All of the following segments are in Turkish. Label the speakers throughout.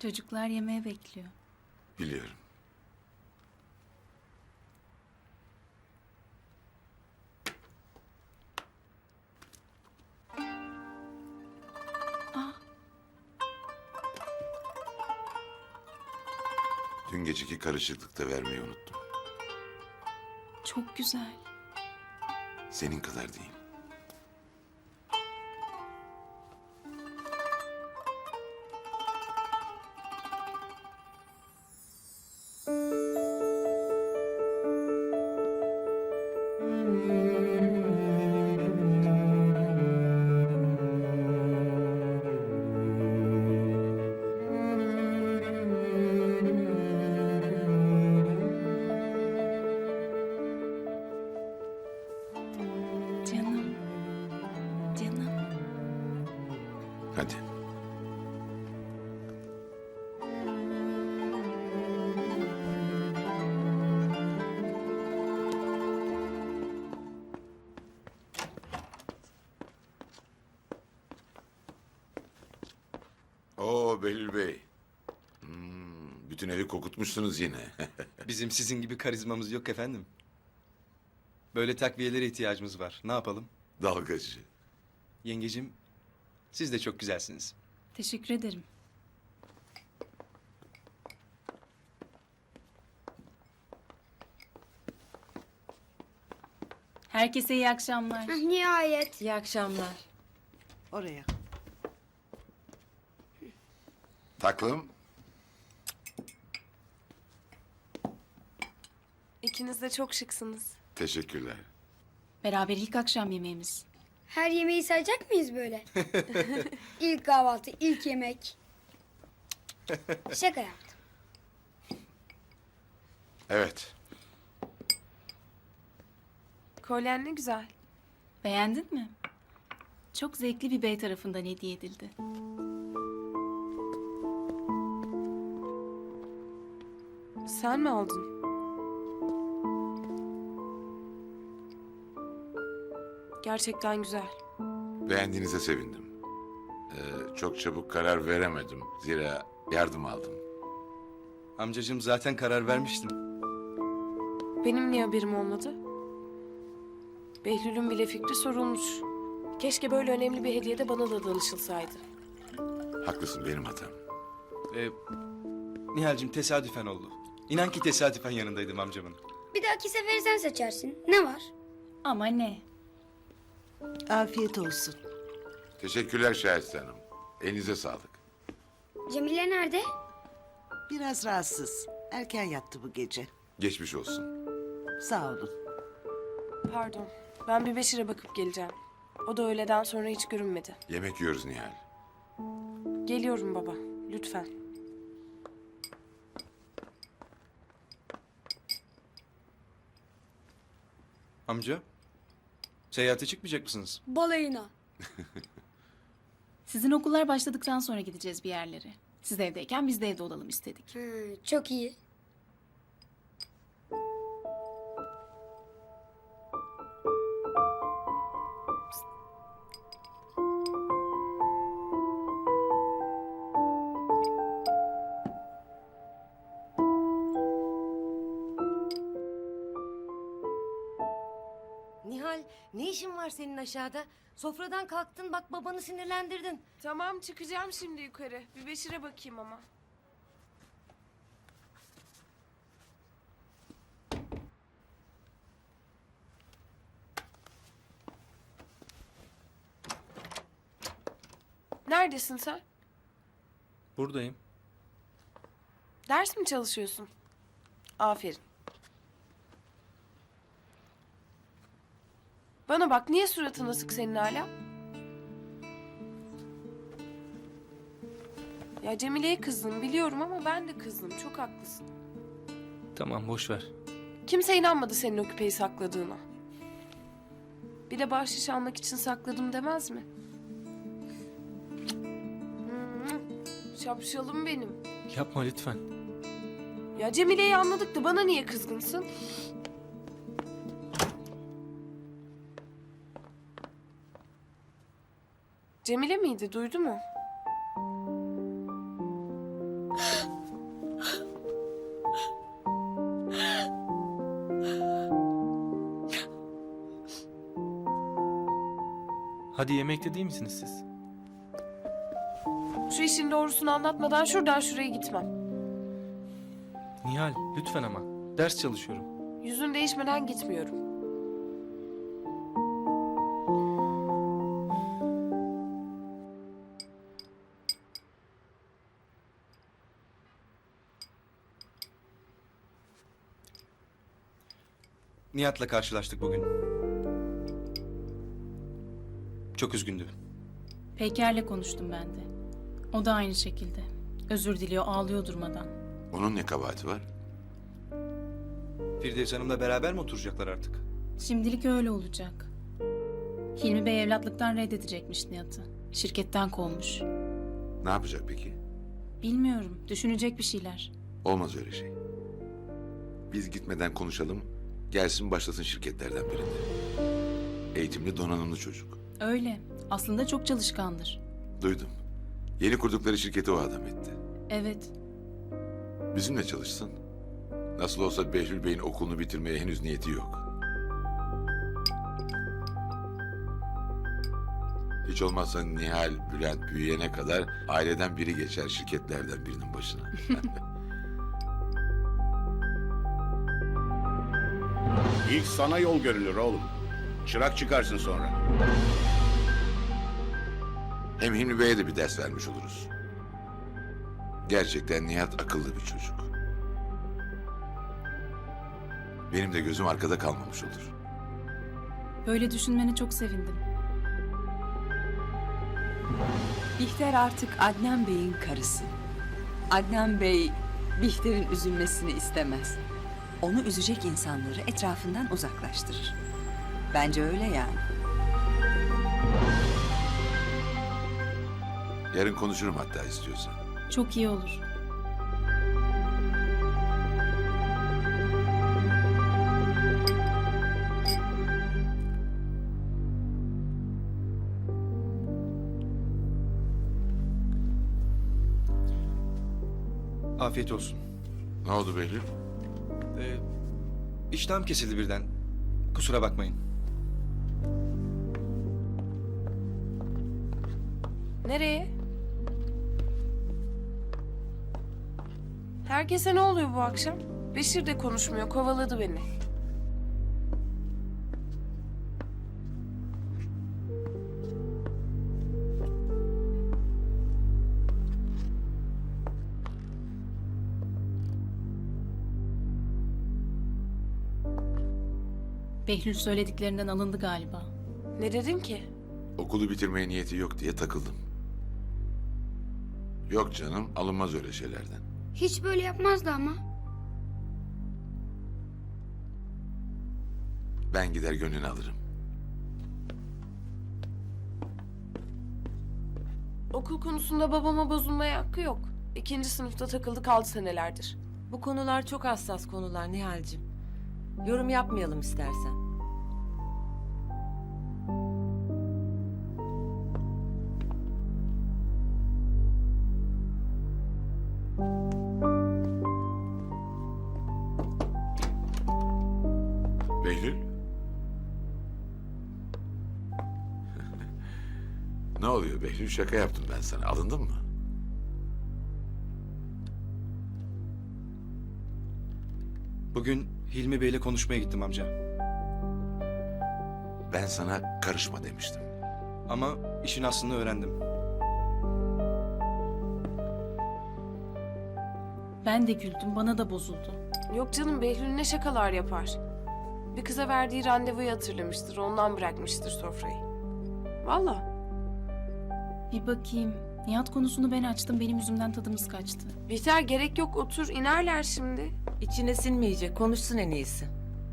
Speaker 1: Çocuklar yemeğe bekliyor.
Speaker 2: Biliyorum.
Speaker 1: Ah,
Speaker 2: Dün geceki karışıklıkta vermeyi unuttum.
Speaker 1: çok güzel.
Speaker 2: Senin kadar değil.
Speaker 1: Canım. Canım.
Speaker 2: Hadi. Oo Behlül Bey. Bütün evi kokutmuşsunuz yine.
Speaker 3: Bizim sizin gibi karizmamız yok efendim. Böyle takviyelere ihtiyacımız var. Ne yapalım?
Speaker 2: Dalgacı.
Speaker 3: Yengecim, siz de çok güzelsiniz.
Speaker 1: Teşekkür ederim. Herkese iyi akşamlar.
Speaker 4: Nihayet.
Speaker 5: İyi akşamlar.
Speaker 6: Oraya.
Speaker 2: Taklım.
Speaker 4: İkiniz de çok şıksınız.
Speaker 2: Teşekkürler.
Speaker 1: Beraber ilk akşam yemeğimiz.
Speaker 7: Her yemeği sayacak mıyız böyle? İlk kahvaltı, ilk yemek. Şaka yaptım.
Speaker 2: Evet.
Speaker 4: Kolyen ne güzel.
Speaker 1: Beğendin mi? Çok zevkli bir bey tarafından hediye edildi.
Speaker 4: Sen mi aldın? Gerçekten güzel.
Speaker 2: Beğendiğinize sevindim. Çok çabuk karar veremedim. Zira yardım aldım.
Speaker 3: Amcacığım zaten karar vermiştim.
Speaker 4: Benim niye haberim olmadı? Behlül'ün bile fikri sorulmuş. Keşke böyle önemli bir hediyede bana da danışılsaydı.
Speaker 2: Haklısın, benim hatam.
Speaker 3: Nihal'cim tesadüfen oldu. İnan ki tesadüfen yanındaydım amcamın.
Speaker 7: Bir dahaki sefere sen seçersin. Ne var?
Speaker 1: Ama ne?
Speaker 6: Afiyet olsun.
Speaker 2: Teşekkürler Şahiste Hanım. Elinize sağlık.
Speaker 7: Cemile nerede?
Speaker 6: Biraz rahatsız. Erken yattı bu gece.
Speaker 2: Geçmiş olsun.
Speaker 6: Sağ olun.
Speaker 4: Pardon. Ben bir Beşir'e bakıp geleceğim. O da öğleden sonra hiç görünmedi.
Speaker 2: Yemek yiyoruz Nihal.
Speaker 4: Geliyorum baba. Lütfen.
Speaker 3: Amca, seyahate çıkmayacak mısınız?
Speaker 7: Balayına.
Speaker 1: Sizin okullar başladıktan sonra gideceğiz bir yerlere. Siz evdeyken biz de evde olalım istedik.
Speaker 7: Çok iyi.
Speaker 5: Nihal, ne işin var senin aşağıda? Sofradan kalktın, bak babanı sinirlendirdin.
Speaker 4: Tamam çıkacağım şimdi yukarı. Bir Beşir'e bakayım ama. Neredesin sen?
Speaker 3: Buradayım.
Speaker 4: Ders mi çalışıyorsun? Aferin. Bana bak, niye suratın asık senin hala? Ya Cemile'ye kızdım biliyorum ama ben de kızdım. Çok haklısın.
Speaker 3: Tamam, boş ver.
Speaker 4: Kimse inanmadı senin o küpeyi sakladığına. Bir de bahşiş almak için sakladım demez mi? Şapşalım benim.
Speaker 3: Yapma lütfen.
Speaker 4: Ya Cemile'yi anladık da bana niye kızgınsın? Cemile miydi? Duydu mu?
Speaker 8: Hadi yemekte değil misiniz siz?
Speaker 4: Şu işin doğrusunu anlatmadan şuradan şuraya gitmem.
Speaker 8: Nihal lütfen ama. Ders çalışıyorum.
Speaker 4: Yüzün değişmeden gitmiyorum.
Speaker 3: Nihat'la karşılaştık bugün. Çok üzgündü.
Speaker 1: Peyker'le konuştum ben de. O da aynı şekilde. Özür diliyor, ağlıyor durmadan.
Speaker 2: Onun ne kabahati var?
Speaker 3: Firdevs Hanım'la beraber mi oturacaklar artık?
Speaker 1: Şimdilik öyle olacak. Hilmi Bey evlatlıktan reddedecekmiş Nihat'ı. Şirketten kovmuş.
Speaker 2: Ne yapacak peki?
Speaker 1: Bilmiyorum, düşünecek bir şeyler.
Speaker 2: Olmaz öyle şey. Biz gitmeden konuşalım. Gelsin başlasın şirketlerden birinde. Eğitimli, donanımlı çocuk.
Speaker 1: Öyle, aslında çok çalışkandır.
Speaker 2: Duydum. Yeni kurdukları şirketi o adam etti.
Speaker 1: Evet,
Speaker 2: Bizimle çalışsın. Nasıl olsa Behlül Bey'in okulunu bitirmeye henüz niyeti yok. Hiç olmazsa Nihal, Bülent büyüyene kadar aileden biri geçer şirketlerden birinin başına.
Speaker 9: İlk sana yol görülür oğlum. Çırak çıkarsın sonra.
Speaker 2: Hem Hilmi Bey'e de bir ders vermiş oluruz. Gerçekten Nihat akıllı bir çocuk. Benim de gözüm arkada kalmamış olur.
Speaker 1: böyle düşünmene çok sevindim.
Speaker 10: Bihter artık Adnan Bey'in karısı. Adnan Bey, Bihter'in üzülmesini istemez. Onu üzecek insanları etrafından uzaklaştırır. Bence öyle yani.
Speaker 2: Yarın konuşurum hatta istiyorsan.
Speaker 1: Çok iyi olur.
Speaker 3: Afiyet olsun.
Speaker 2: Ne oldu Behlül?
Speaker 3: İştahım kesildi birden. Kusura bakmayın.
Speaker 4: Nereye? Herkese ne oluyor bu akşam? Beşir de konuşmuyor, kovaladı beni.
Speaker 1: Behlül söylediklerinden alındı galiba.
Speaker 4: Ne dedim ki?
Speaker 2: Okulu bitirmeye niyeti yok diye takıldım. Yok canım, alınmaz öyle şeylerden.
Speaker 7: Hiç böyle yapmazdı ama.
Speaker 2: Ben gider gönlünü alırım.
Speaker 4: Okul konusunda babama bozulmaya hakkı yok. 2. sınıfta takıldı kaldı senelerdir.
Speaker 5: Bu konular çok hassas konular Nihal'cim. Yorum yapmayalım istersen.
Speaker 2: Behlül? Ne oluyor Behlül? Şaka yaptım ben sana. Alındın mı?
Speaker 3: Bugün Hilmi Bey'le konuşmaya gittim amca.
Speaker 2: Ben sana karışma demiştim.
Speaker 3: Ama işin aslını öğrendim.
Speaker 1: Ben de güldüm, bana da bozuldu.
Speaker 4: Yok canım, Behlül ne şakalar yapar. Bir kıza verdiği randevuyu hatırlamıştır, ondan bırakmıştır sofrayı. Vallahi.
Speaker 1: Bir bakayım. Nihat konusunu ben açtım, benim yüzümden tadımız kaçtı.
Speaker 4: Bihter gerek yok, otur, inerler şimdi.
Speaker 5: İçine sinmeyecek. Konuşsun en iyisi.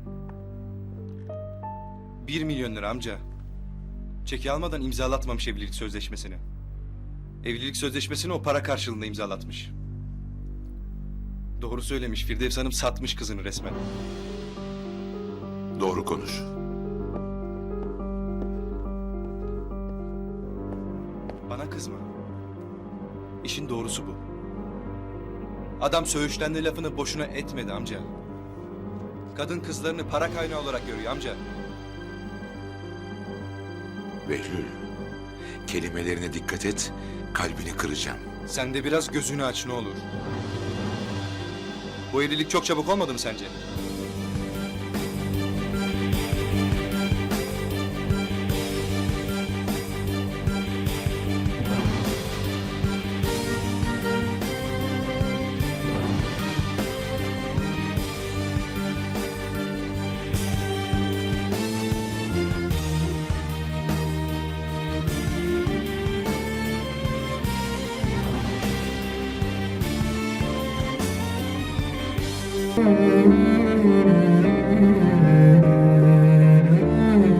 Speaker 3: 1 milyon lira amca. Çeki almadan imzalatmamış evlilik sözleşmesini. Evlilik sözleşmesini o para karşılığında imzalatmış. Doğru söylemiş. Firdevs Hanım satmış kızını resmen.
Speaker 2: Doğru konuş.
Speaker 3: Bana kızma. İşin doğrusu bu. Adam söğüşlenme lafını boşuna etmedi amca. Kadın kızlarını para kaynağı olarak görüyor amca.
Speaker 2: Behlül, Kelimelerine dikkat et, kalbini kıracağım.
Speaker 3: Sen de biraz gözünü aç ne olur. Bu evlilik çok çabuk olmadı mı sence?